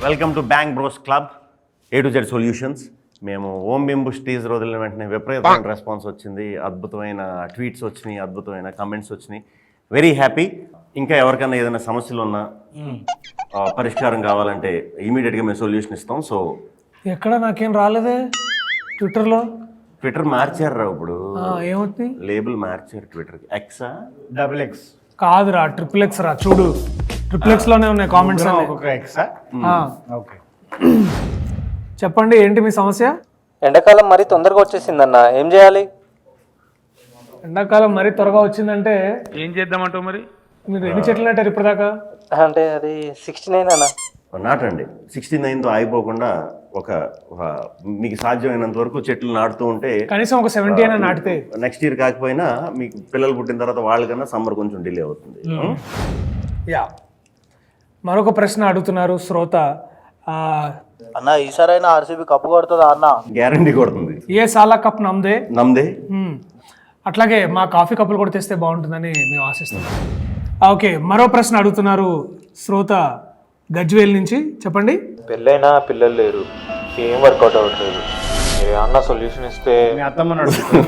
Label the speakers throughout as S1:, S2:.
S1: Welcome to bank bros club A to Z solutions. మేము Om బింబుష్ teaser వదిలిన వెంటనే విపరీతమైన రెస్పాన్స్ వచ్చింది, అద్భుతమైన ట్వీట్స్ వచ్చినాయి, అద్భుతమైన కమెంట్స్ వచ్చినాయి. Very happy. ఇంకా ఎవరికైనా ఏదైనా సమస్యలు ఉన్నా పరిష్కారం కావాలంటే ఇమీడియట్గా మేము సొల్యూషన్ ఇస్తాం. సో
S2: ఎక్కడ నాకేం రాలేదే
S1: ట్విట్టర్ మార్చారు ఇప్పుడు,
S2: ఏమవుతుంది?
S1: లేబుల్ మార్చారు ట్విట్టర్కి. ఎక్సా
S3: XX
S2: కాదురా, XXX రా. చూడు XXX లోనే ఉన్నాయి కామెంట్స్ అన్ని.
S3: ఒక్కొక్క ఎక్సా? ఓకే,
S2: చెప్పండి, ఏంటి మీ సమస్య?
S4: ఎండాకాలం మరీ తొందరగా వచ్చేసిందన్న, ఏం చేయాలి?
S2: ఎండాకాలం మరీ త్వరగా వచ్చిందంటే
S5: ఏం చేద్దామంటావు మరి?
S2: మీరు ఎన్ని చెట్లు నాటారు ఇప్పటిదాకా?
S4: అంటే అది 69 అన్న.
S1: నాటండి. 69తో ఆగిపోకుండా ఒక మీకు సాధ్యమైనంత వరకు చెట్లు నాటుతూ ఉంటే
S2: కనీసం ఒక 70 అయినా నాటితే
S1: నెక్స్ట్ ఇయర్ కాకపోయినా మీకు పిల్లలు పుట్టిన తర్వాత వాళ్ళకన్నా సమ్మర్ కొంచెం డిలే అవుతుంది.
S2: యా, మరొక ప్రశ్న అడుగుతున్నారు శ్రోత.
S6: అన్న ఈసారైనా ఆర్సీబీ కప్పు కొడుతుందా అన్న?
S1: గ్యారంటీ కొడుతుంది.
S2: ఏ సాలా కప్ నమ్దే. అట్లాగే మా కాఫీ కప్పులు కూడా తెస్తే బాగుంటుందని మేము ఆశిస్తున్నాం. ఓకే, మరో ప్రశ్న అడుగుతున్నారు శ్రోత గజ్వేల్ నుంచి. చెప్పండి.
S7: పెళ్ళైనా పిల్లలు లేరు, ఏం వర్కౌట్ అవ్వట్లేదు, మీరు ఏమన్నా సొల్యూషన్ ఇస్తే.
S3: మీ అత్తమ్మని అడుగుతున్నా.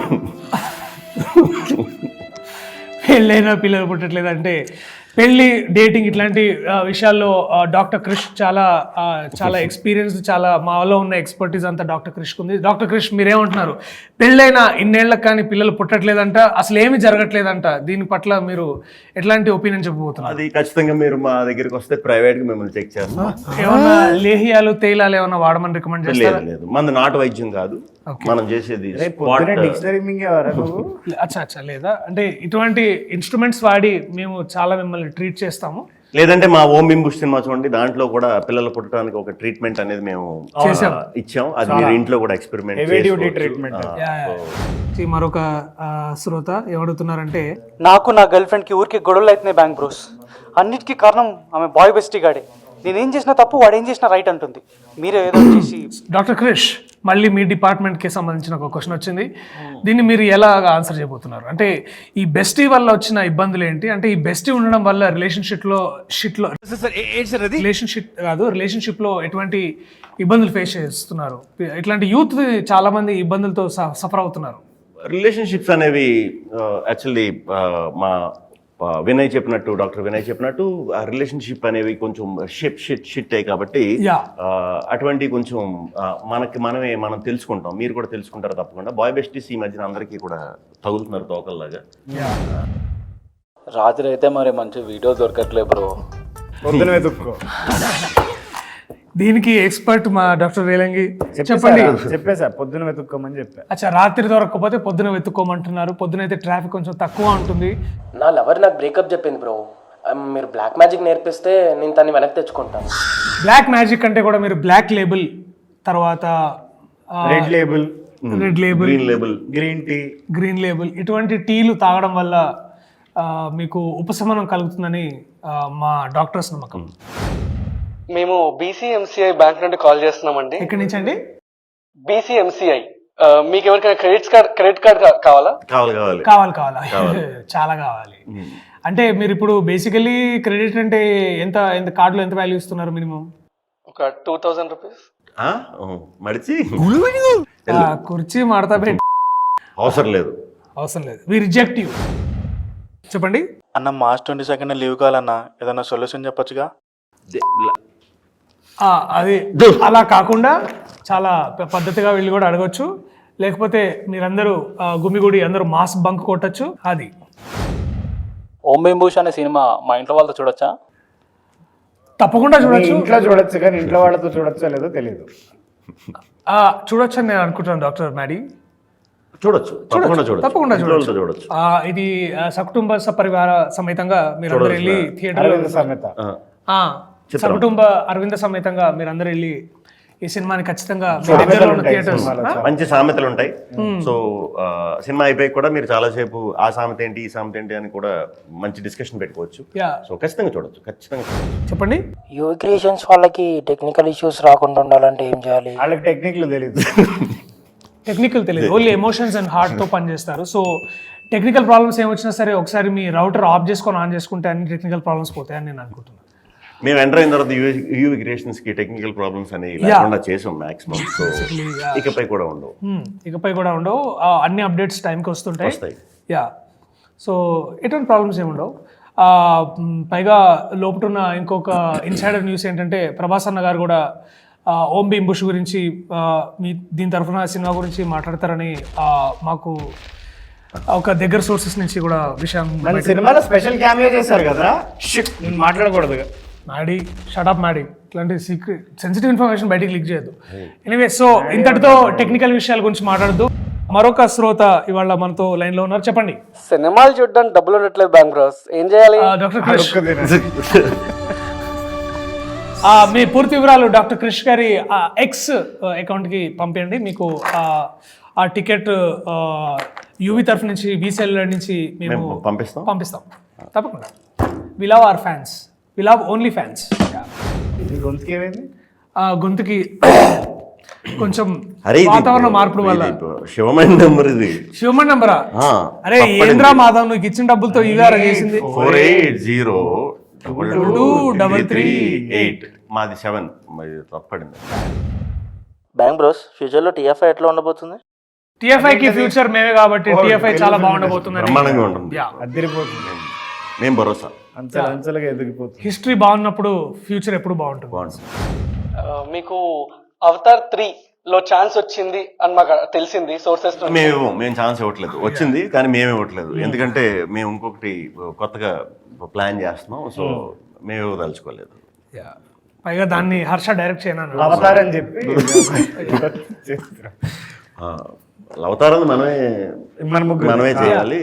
S2: పెళ్ళైనా పిల్లలు పుట్టట్లేదు అంటే పెళ్ళి, డేటింగ్ ఇట్లాంటి విషయాల్లో డాక్టర్ క్రిష్ చాలా ఎక్స్పీరియన్స్, చాలా మాలో ఉన్న ఎక్స్పర్టీస్ అంతా డాక్టర్ క్రిష్కి ఉంది. డాక్టర్ క్రిష్, మీరేమంటున్నారు? పెళ్ళైనా ఇన్నేళ్లకు కానీ పిల్లలు పుట్టట్లేదంట, అసలు ఏమి జరగట్లేదంట, దీని పట్ల మీరు ఎట్లాంటి ఒపీనియన్ చెప్పబోతున్నారు?
S1: అది ఖచ్చితంగా మీరు మా దగ్గరికి వస్తే ప్రైవేట్గా మిమ్మల్ని చెక్ చేస్తాం.
S2: ఏమన్నా లేహియాలు తేలాలు ఏమన్నా వాడమని రికమెండ్ చేస్తారా?
S1: లేదు, మంది నాటు వైద్యం కాదు, మనం చేసేది
S3: డిక్షనరీ మింగేవారా నువ్వు?
S2: అచ్చా లేదా, అంటే ఇటువంటి ఇన్స్ట్రుమెంట్స్ వాడి మేము చాలా మిమ్మల్ని ట్రీట్ చేస్తాము.
S1: లేదంటే మా ఓం బింబుష్ సినిమా చూడండి, దాంట్లో కూడా పిల్లలు పుట్టడానికి ఒక ట్రీట్మెంట్ అనేది మేము ఇచ్చాం. అది మీరు ఇంట్లో కూడా ఎక్స్పెరిమెంట్
S3: ట్రీట్మెంట్.
S2: మరొక శ్రోత ఏమడుగుతున్నారంటే,
S4: నాకు నా గర్ల్ ఫ్రెండ్కి ఊరికి గొడవలు అవుతున్నాయి బ్యాంక్ బ్రోస్. అన్నిటికీ కారణం ఆమె బాయ్ బెస్టీ గాడే. నేనేం చేసినా తప్పు, వాడు ఏం చేసినా రైట్ అంటుంది. మీరే ఏదో చేసి.
S2: డాక్టర్ క్రిష్, మళ్ళీ మీ డిపార్ట్మెంట్కి సంబంధించిన ఒక క్వశ్చన్ వచ్చింది. దీన్ని మీరు ఎలా ఆన్సర్ చేయబోతున్నారు? అంటే ఈ బెస్టీ వల్ల వచ్చిన ఇబ్బందులు ఏంటి? అంటే ఈ బెస్టీ ఉండడం వల్ల రిలేషన్షిప్ లో ఎటువంటి ఇబ్బందులు ఫేస్ చేస్తున్నారు? ఇట్లాంటి యూత్ చాలా మంది ఇబ్బందులతో సఫర్ అవుతున్నారు.
S1: రిలేషన్షిప్స్ అనేవి యాక్చువల్లీ మా డాక్టర్ వినయ్ చెప్పినట్టు ఆ రిలేషన్షిప్ అనేవి కొంచెం షిట్ అయ్యి కాబట్టి అటువంటి కొంచెం మనం తెలుసుకుంటాం, మీరు కూడా తెలుసుకుంటారు తప్పకుండా. బాయ్ బెస్టీస్ ఈ మధ్యన అందరికీ కూడా తగులుతున్నారు తోకల్లాగా.
S6: రాత్రి అయితే మరి మంచి వీడియో దొరకట్లేదు బ్రో,
S3: పొద్దున వెతుక్కో.
S2: దీనికి ఎక్స్పర్ట్ మా డాక్టర్ రేలంగి. చెప్పండి.
S3: చెప్పేసా, పొద్దున వెతుక్కోమని చెప్పా.
S2: అచ్చా, రాత్రి దొరకకపోతే పొద్దున వెతుక్కోమంటున్నారు. పొద్దున అయితే ట్రాఫిక్ కొంచెం తక్కువ ఉంటుంది.
S8: నా లవర్ నాకు బ్రేకప్ చెప్పింది బ్రో, మీరు బ్లాక్ మ్యాజిక్ నేర్పిస్తే నేను తన్ని వెనక్కి తెచ్చుకుంటాను.
S2: బ్లాక్ మ్యాజిక్ అంటే కూడా మీరు బ్లాక్ లేబుల్, తర్వాత
S3: రెడ్ లేబుల్,
S2: గ్రీన్ లేబుల్ ఇటువంటి టీలు తాగడం వల్ల మీకు ఉపశమనం కలుగుతుందని మా డాక్టర్స్ నమ్మకం.
S9: మేము BCMCI బ్యాంక్ నుండి కాల్ చేస్తున్నామండి.
S2: ఎక్కడి నుంచి అండి?
S9: BCMCI. మీకు ఎవరికైనా క్రెడిట్ కార్డ్ కావాలా?
S2: కావాలి చాలా కావాలి. అంటే మీరు ఇప్పుడు బేసికలీ క్రెడిట్ అంటే ఎంత కార్డులో ఎంత వాల్యూ ఇస్తున్నారు? మినిమం
S9: ఒక 2000 రూపీస్.
S2: కుర్చీ మడతా పెట్టి
S1: అవసరం లేదు.
S2: We reject you. చెప్పండి
S6: అన్న. March 22 లీవ్ కావాలన్నా, ఏదన్నా సొల్యూషన్ చెప్పొచ్చుగా?
S2: అది అలా కాకుండా చాలా పద్ధతిగా వీళ్ళు కూడా అడగొచ్చు. లేకపోతే మీరందరూ గుమిగూడి అందరూ మాస్ బంక్ కొట్టచ్చు. అది
S6: ఓం బింబుష్ అనే సినిమా మా ఇంట్లో వాళ్ళతో చూడొచ్చా?
S2: తప్పకుండా చూడొచ్చు.
S3: ఇంట్లో చూడొచ్చు, కానీ ఇంట్లో వాళ్ళతో చూడొచ్చో లేదో తెలియదు.
S2: చూడొచ్చు అని నేను అనుకుంటున్నాను డాక్టర్ మ్యాడీ.
S1: తప్పకుండా చూడొచ్చు.
S2: ఇది సకుటుంబ సపరివార సమేతంగా మీరందరూ వెళ్ళి థియేటర్ సకుటుంబ అరవింద సమేతంగా మీరందరూ వెళ్ళి ఈ సినిమాని ఖచ్చితంగా
S1: మంచి సామెతలు ఉంటాయి. సో సినిమా అయిపోయి కూడా మీరు చాలాసేపు ఆ సామెత ఏంటి ఈ సామెత ఏంటి అని కూడా మంచి డిస్కషన్ పెట్టుకోవచ్చు. సో ఖచ్చితంగా చూడొచ్చు.
S2: చెప్పండి.
S8: యూవీ క్రియేషన్స్ వాళ్ళకి టెక్నికల్ ఇష్యూస్ రాకుండా ఉండాలంటే ఏం చేయాలి?
S3: వాళ్ళకి టెక్నికల్
S2: తెలియదు, ఓన్లీ ఎమోషన్స్ అండ్ హార్ట్ తో పనిచేస్తారు. సో టెక్నికల్ ప్రాబ్లమ్స్ ఏమొచ్చినా సరే ఒకసారి మీ రౌటర్ ఆఫ్ చేసుకొని ఆన్ చేసుకుంటే అన్ని టెక్నికల్ ప్రాబ్లమ్స్ పోతాయని నేను అనుకుంటున్నాను.
S1: మేము ఎంటర్ అయిన తర్వాత యూవి క్రియేషన్స్ కి టెక్నికల్ ప్రాబ్లమ్స్ అనేవి లేకుండా చేసాం మాక్సిమం. సో ఇకపై కూడా ఉండవు.
S2: ఇకపై కూడా ఉండవు. అన్ని అప్డేట్స్ టైంకి వస్తుంటాయి.
S1: వస్తాయి.
S2: యా, సో ఎటువంటి ప్రాబ్లమ్స్ ఏమి ఉండవు. పైగా లోపటున్న ఇంకొక ఇన్సైడర్ న్యూస్ ఏంటంటే ప్రభాస్ అన్న గారు కూడా ఓం భీమ్ బుష్ గురించి దీని తరఫున సినిమా గురించి మాట్లాడతారని మాకు ఒక దగ్గర సోర్సెస్ నుంచి కూడా విషయం.
S3: మన సినిమాలో స్పెషల్ క్యామియో చేశారు కదా, నేను మాట్లాడకూడదు.
S2: మ్యాడీ, షటప్ మ్యాడీ, ఇట్లాంటి సీక్రెట్ సెన్సిటివ్ ఇన్ఫర్మేషన్ బయటికి లీక్ చేయొద్దు. ఎనీవే, సో ఇంతటితో టెక్నికల్ విషయాల గురించి మాట్లాడద్దు. మరొక శ్రోత ఇవాళ మనతో లైన్ లో ఉన్నారు. చెప్పండి.
S9: సినిమాలు చూడడానికి డబ్బులు ఉండట్లేదు బ్యాంక్ బ్రోస్, ఏం చేయాలి?
S2: డాక్టర్ క్రిష్, మీ పూర్తి వివరాలు డాక్టర్ క్రిష్ గారి ఎక్స్ అకౌంట్ కి పంపించండి. మీకు ఆ టికెట్ యూవి తరఫు నుంచి, బీసీఎల్ నుంచి మేము పంపిస్తాం తప్పకుండా. We love our fans, we love only fans.
S3: గొంతుకి ఏమైంది?
S2: గొంతుకి కొంచెం వాతావరణ మార్పుల వల్ల.
S1: శివమణి నెంబర్ ఇది.
S2: శివమణి నెంబరా? అరే ఏంద్రా మాధవ్, నువ్వు ఇచ్చిన డబ్బులతో ఇవారా చేసింది.
S1: 48022338. మాది 7. తప్పడింది.
S5: బ్యాంక్ బ్రోస్, ఫ్యూచర్లో టీఎఫ్ఐ ఎట్లా ఉండబోతుంది?
S2: టీఎఫ్ఐ కి ఫ్యూచర్ మేమే కాబట్టి టీఎఫ్ఐ చాలా బాగుండబోతుంది.
S1: బ్రహ్మాండంగా ఉంటుంది.
S3: అదిరిపోతుంది.
S1: మేము భరోసా.
S3: అంచెలుగా ఎదిగిపోతుంది.
S2: హిస్టరీ బాగున్నప్పుడు ఫ్యూచర్ ఎప్పుడు బాగుంటుంది.
S9: మీకు అవతార్ 3 లో ఛాన్స్ వచ్చింది అని మాకు తెలిసింది సోర్సెస్.
S1: మేము ఛాన్స్ ఇవ్వట్లేదు. వచ్చింది కానీ మేము ఇవ్వట్లేదు. ఎందుకంటే మేము ఇంకొకటి కొత్తగా ప్లాన్ చేస్తున్నాం. సో మేము ఇవ్వదలుచుకోలేదు.
S2: పైగా దాన్ని హర్ష డైరెక్ట్ చేయను
S3: అవతారని చెప్పి
S1: అవతారం మనమే చేయాలి.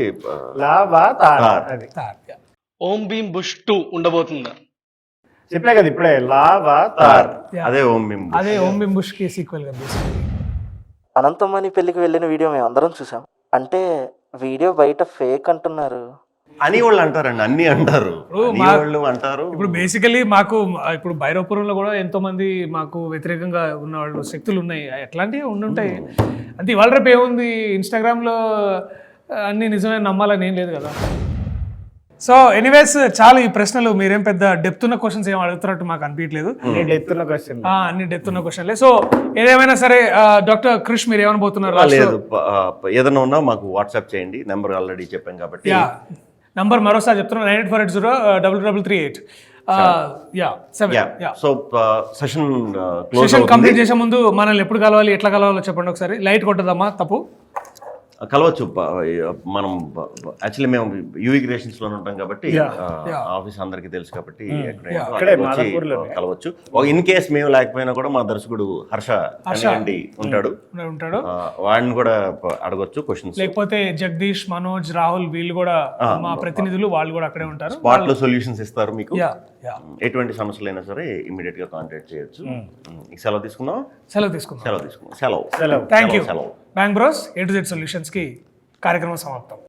S9: ఓం భీమ్ బుష్ 2 ఉండబోతుందా?
S3: చెప్పే కదా ఇప్పుడే, లావాతార్.
S1: అదే ఓం భీమ్,
S2: అదే ఓం భీమ్ బుష్ కి సీక్వెల్ గా.
S5: అనంతమణి పెళ్లికి వెళ్ళిన వీడియో మేము అందరం చూసాం. అంటే వీడియో బయట ఫేక్ అంటున్నారు
S1: అని వాళ్ళు అంటారండి. అన్ని అంటారు, వాళ్ళు అంటారు.
S2: ఇప్పుడు బేసికలీ మాకు ఇప్పుడు భైరవపురంలో కూడా ఎంతో మంది మాకు వ్యతిరేకంగా ఉన్న వాళ్ళు శక్తులు ఉన్నాయి. ఎట్లాంటివి ఉండుంటాయి. అంటే ఇవాళ రేపు ఏముంది, ఇన్స్టాగ్రామ్లో అన్ని నిజమే నమ్మాలని ఏం లేదు కదా. సో ఎనీవేస్, చాలా ఈ ప్రశ్నలు మీరేం పెద్ద డెప్త్ ఉన్న క్వశ్చన్స్ ఏం అడుగుతున్నట్టు మాకు అనిపించలేదు.
S3: అన్ని డెప్త్ ఉన్న
S2: క్వశ్చన్లే. సో ఏదేమైనా సరే డాక్టర్ క్రిష్, మీరు ఏమనబోతున్నారు?
S1: లేదు, ఏదైనా ఉన్నా మాకు వాట్సాప్ చేయండి. నెంబర్ ఆల్రెడీ చెప్పాం కాబట్టి.
S2: నంబర్ మరోసారి చెప్తున్నాను, 9848033338.
S1: సో
S2: సెషన్ కంప్లీట్ చేసే ముందు మనల్ని ఎప్పుడు కలవాలి, ఎట్లా కలవాలో చెప్పండి ఒకసారి. లైట్ కొట్టదమ్మా, తప్పు
S1: కలవచ్చు. మనం యాక్చువల్లీ మేము యూవి క్రియేషన్స్ లో ఉంటాం కాబట్టి ఆఫీస్ అందరికి తెలుసు కాబట్టి కలవచ్చు. ఇన్ కేస్ మేము లేకపోయినా కూడా మా దర్శకుడు హర్ష ఉంటాడు, వాడిని కూడా అడగొచ్చు క్వశ్చన్స్.
S2: లేకపోతే జగదీష్, మనోజ్, రాహుల్ వీళ్ళు కూడా మా ప్రతినిధులు, వాళ్ళు కూడా అక్కడే ఉంటారు.
S1: స్పాట్ లో సొల్యూషన్స్ ఇస్తారు మీకు. ఎటువంటి సమస్యలైనా సరే ఇమీడియట్ గా కాంటాక్ట్ చేయొచ్చు. సెలవు తీసుకుందాం.
S2: Thank you.
S1: సెలవు.
S2: Bank bros A to Z solutions కి కార్యక్రమం సమాప్తం.